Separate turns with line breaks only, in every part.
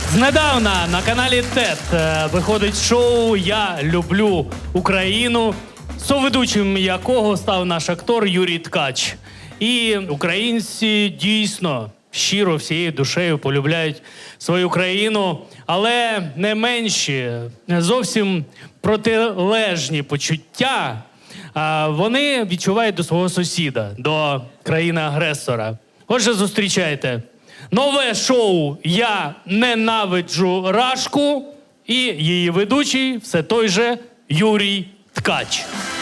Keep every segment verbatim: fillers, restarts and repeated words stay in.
Знедавна на каналі ТЕТ е, виходить шоу «Я люблю Україну», соведучим якого став наш актор Юрій Ткач. І українці дійсно щиро всією душею полюбляють свою країну, але не менші, зовсім протилежні почуття а, вони відчувають до свого сусіда, до країни-агресора. Отже, зустрічайте. Нове шоу «Я ненавиджу Рашку» і її ведучий все той же Юрій Ткач.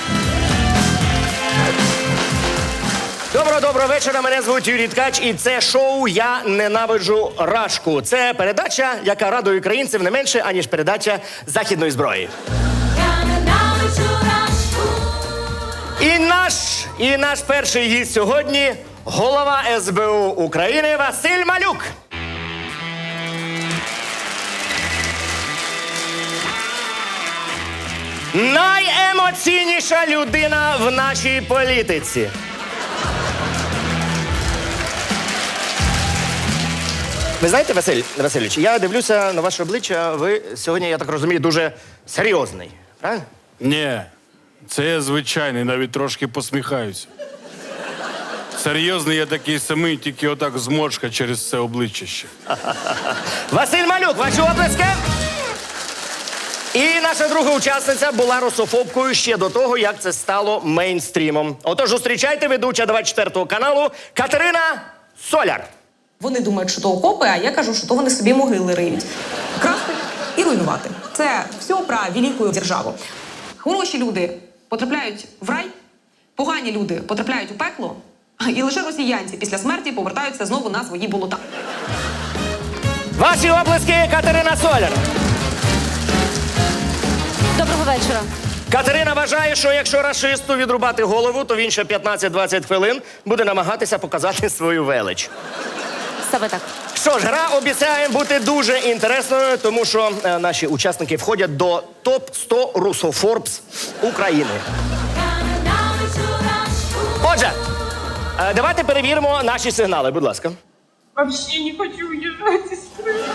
Доброго-доброго вечора, мене звуть Юрій Ткач, і це шоу «Я ненавиджу Рашку». Це передача, яка радує українців не менше, аніж передача західної зброї.
Я ненавиджу Рашку.
І наш, і наш перший гість сьогодні – голова ес бе у України Василь Малюк. Найемоційніша людина в нашій політиці. Ви знаєте, Василь Васильович, я дивлюся на ваше обличчя, ви сьогодні, я так розумію, дуже серйозний, правильно?
Ні, це я звичайний, навіть трошки посміхаюся. Серйозний я такий самий, тільки отак зморшка через це обличчя ще.
Василь Малюк, ваші оплески! І наша друга учасниця була русофобкою ще до того, як це стало мейнстрімом. Отож, зустрічайте ведуча двадцять четвертого каналу Катерина Соляр.
Вони думають, що то окопи, а я кажу, що то вони собі могили риють. Красти і руйнувати. Це все про велику державу. Хороші люди потрапляють в рай, погані люди потрапляють у пекло, і лише росіянці після смерті повертаються знову на свої болота.
Ваші оплески, Катерина Соляр.
Доброго вечора.
Катерина вважає, що якщо рашисту відрубати голову, то він ще п'ятнадцять-двадцять хвилин буде намагатися показати свою велич.
Саме так.
Що ж, гра обіцяє бути дуже інтересною, тому що е, наші учасники входять до топ сто русофорбс України.
Я ненавиджу Рашку.
Отже, е, давайте перевіримо наші сигнали, будь ласка.
Вообще не хочу уезжать из страны.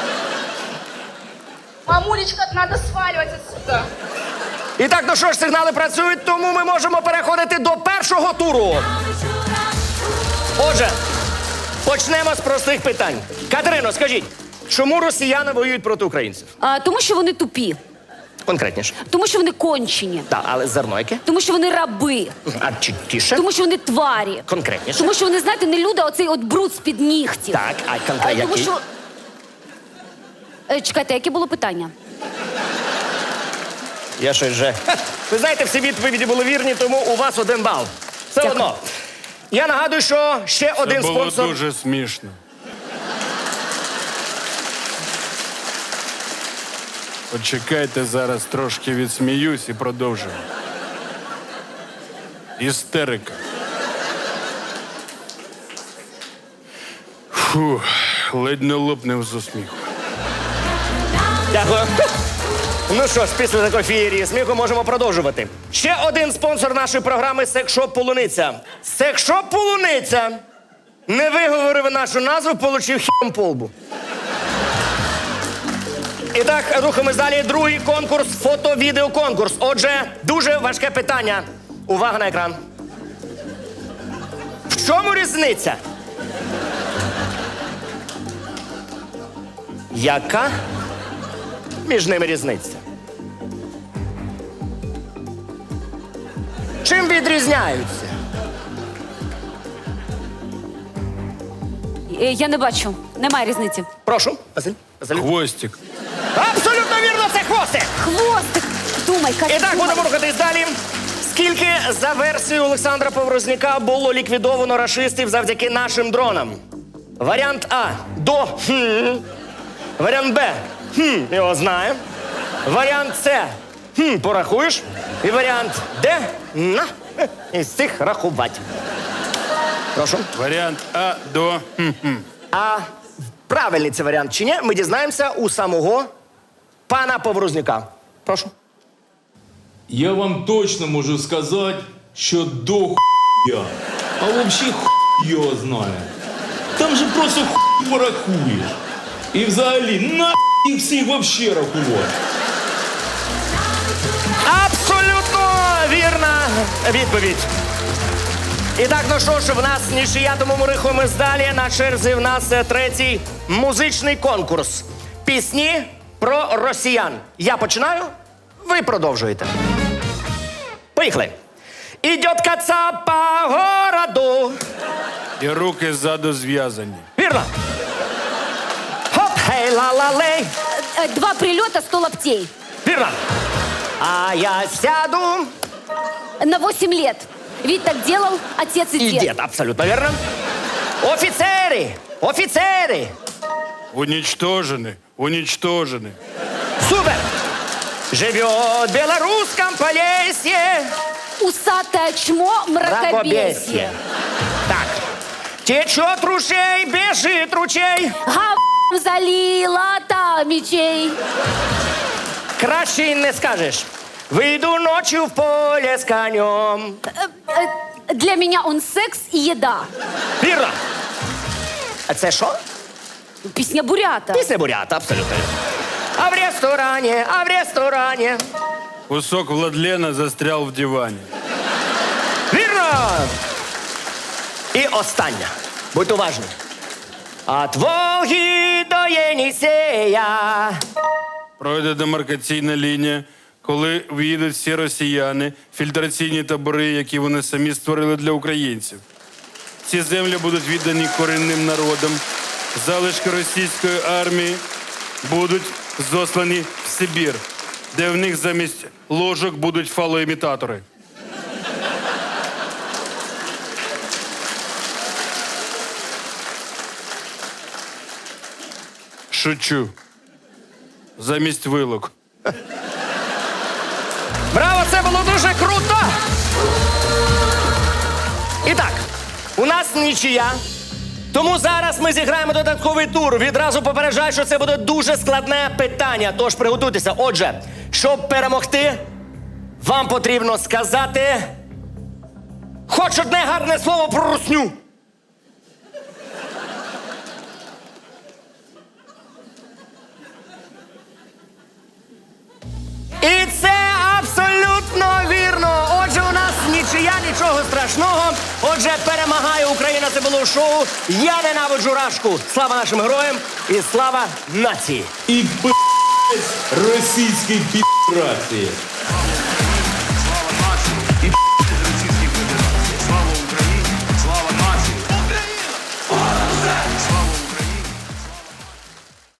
Мамулечка, надо сваливать отсюда.
І так, ну що ж, сигнали працюють, тому ми можемо переходити до першого туру. Отже, почнемо з простих питань. Катерино, скажіть, чому росіяни воюють проти українців?
А, тому що вони тупі,
Конкретніше.
тому що вони кончені,
Так, але зерно яке?
тому що вони раби,
А чіткіше?
тому що вони тварі,
Конкретніше.
тому що вони, знаєте, не люди, а оцей от бруд з-під нігтів.
Так, а
А,
конкретно
тому
який?
що... Е, Чекайте, яке було питання?
Я щось вже... Ха! Ви знаєте, всі відповіді були вірні, тому у вас один бал. Все
Дякую.
одно. Я нагадую, що ще
Це
один
було
спонсор...
дуже смішно. Почекайте, зараз трошки відсміюсь і продовжимо. Істерика. Фу, ледь не лопнув з усміху.
Дякую. Ну що ж, після такої феєрії сміху можемо продовжувати. Ще один спонсор нашої програми «Секшоп Полуниця». «Секшоп Полуниця» не виговорив нашу назву, получив хім по лбу. І так, рухаємось далі. Другий конкурс – фото-відеоконкурс. Отже, дуже важке питання. Увага на екран. В чому різниця? Яка між ними різниця? Чим відрізняються?
Е, Я не бачу, немає різниці.
Прошу, Василь. Василь.
Хвостик.
Абсолютно вірно, це хвостик!
Хвостик! Думай, Катя,
І так,
думай.
будемо рухатись далі. Скільки, за версією Олександра Поворознюка, було ліквідовано рашистів завдяки нашим дронам? Варіант А. До. Хм. Варіант Б. Хм. Його знає. Варіант С. Хм. Порахуєш. І варіант Д. На. Із цих рахувати. Прошу.
Варіант А до... хм-хм.
А правильний це варіант чи ні, ми дізнаємося у самого пана Поворознюка. Прошу.
Я вам точно можу сказати, що до хуя. А взагалі хуй його знає. Там же просто хуй порахуєш. І взагалі, на їх всіх вообще рахувати.
Абсолютно вірна відповідь. І так, ну що ж, в нас нічия, тому ми рухаємось далі. На черзі в нас е, третій музичний конкурс. Пісні про росіян. Я починаю, ви продовжуєте. Поїхали. Ідет коца по городу.
І руки ззаду зв'язані.
Вірно. Хоп, хей, ла-ла-лей.
Э, Два прилета, сто лаптей.
Вірно. А я сяду.
На восемь лет. Ведь так делал отец и
І
дед.
дід, абсолютно вірно. Офіцери! Офіцери!
Унічтожені, унічтожені.
Супер! Живет в белорусском Полесье.
Усатое чмо, мракобесие.
Так. Течет ручей, бежит ручей.
Гав залила та мечей.
Краще й не скажеш. Выйду ночью в поле с конем.
Э, Для меня он секс и еда.
Вірно. А це що?
Песня бурята.
Пісня бурята, абсолютно. А в ресторані, а в ресторані.
Кусок Владлена застрял в дивані.
Вірно! І остання. Будь уважні. От Волги до Єнісея.
Пройде демаркаційна лінія, коли в'їдуть всі росіяни, фільтраційні табори, які вони самі створили для українців. Ці землі будуть віддані корінним народам. Залишки російської армії будуть зослані в Сибір, де в них замість ложок будуть фалоімітатори. Шучу. Замість вилок.
Браво, це було дуже круто! І так, у нас нічия. Тому зараз ми зіграємо додатковий тур. Відразу попереджаю, що це буде дуже складне питання. Тож приготуйтеся. Отже, щоб перемогти, вам потрібно сказати хоч одне гарне слово про русню. І це абсолютно вірно. Отже, у нас нічия, нічого страшного. Отже, перемагає Україна. Це було шоу «Я ненавиджу Рашку». Слава нашим героям і слава нації.
І пи***ць російській пі***рації. І